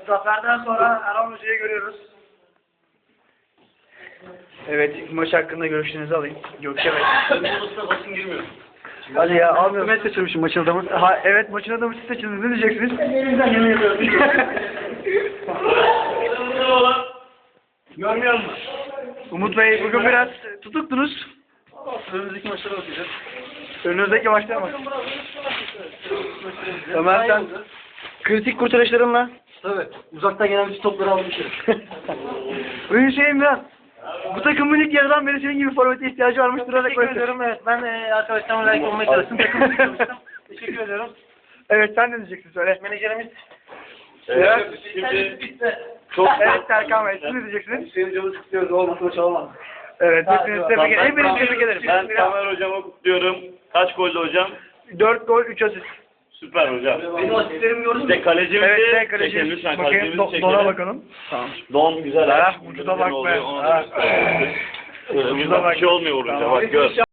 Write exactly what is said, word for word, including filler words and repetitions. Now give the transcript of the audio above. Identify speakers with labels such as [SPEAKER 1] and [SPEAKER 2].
[SPEAKER 1] Zaferden sonra Erhan Hoca'yı görüyoruz. Evet, maç hakkında görüşlerinizi alayım. Gökçe Bey.
[SPEAKER 2] Basın girmiyor.
[SPEAKER 1] Hadi ya, almıyorum.
[SPEAKER 2] Ben seçilmişim maçın adamı.
[SPEAKER 1] Ha, evet, maçın adamı siz seçildiniz. Ne diyeceksiniz?
[SPEAKER 2] Elimden yemin ediyorum. Görmüyor musun?
[SPEAKER 1] Umut Bey, bugün biraz tutuktunuz.
[SPEAKER 2] Önümüzdeki maçlara bakacağız.
[SPEAKER 1] Önünüzdeki maçlara bak. Ömer, sen kritik kurtarışlarınla.
[SPEAKER 2] Tabii. Uzaktan gelen bütün topları almışım.
[SPEAKER 1] Bugün şeyim biraz. Bu takımın ilk yarıdan beri senin gibi forvete ihtiyacı varmış.
[SPEAKER 2] Teşekkür ediyorum. Evet, ben e, arkadaşlarımla layık olmaya çalıştım. Takımı çalıştım. Teşekkür ediyorum.
[SPEAKER 1] Evet, sen ne diyeceksin, söyle.
[SPEAKER 2] Menajerimiz.
[SPEAKER 1] Evet.
[SPEAKER 2] Şimdi
[SPEAKER 1] Çok evet, Serkan Bey, siz ne diyeceksiniz?
[SPEAKER 2] Hüseyin Hocam'ı kutluyoruz. Olmasa çalamaz.
[SPEAKER 1] Evet, hepinizi tebrik ederim. Hepinizi tebrik ederim.
[SPEAKER 3] Ben Tamer hocamı kutluyorum. Kaç gollü hocam?
[SPEAKER 1] dört gol, üç asist.
[SPEAKER 3] Süper hocam.
[SPEAKER 2] Benim asistlerimi gördün mü?
[SPEAKER 3] İşte kalecimizi
[SPEAKER 1] Evet, sen
[SPEAKER 3] çekelim
[SPEAKER 1] kaleci.
[SPEAKER 3] lütfen.
[SPEAKER 1] Bakayım,
[SPEAKER 3] Kalecimizi
[SPEAKER 1] do
[SPEAKER 3] çekelim.
[SPEAKER 1] dona bakalım. Tamam.
[SPEAKER 3] Don güzel.
[SPEAKER 1] Ha,
[SPEAKER 3] ha.
[SPEAKER 1] vücuda bak be.
[SPEAKER 3] Oluyor, ona da
[SPEAKER 1] Ha.
[SPEAKER 3] göster.
[SPEAKER 1] Vücuda bak.
[SPEAKER 3] Bir şey olmuyor vurunca
[SPEAKER 1] Tamam.
[SPEAKER 3] bak gör.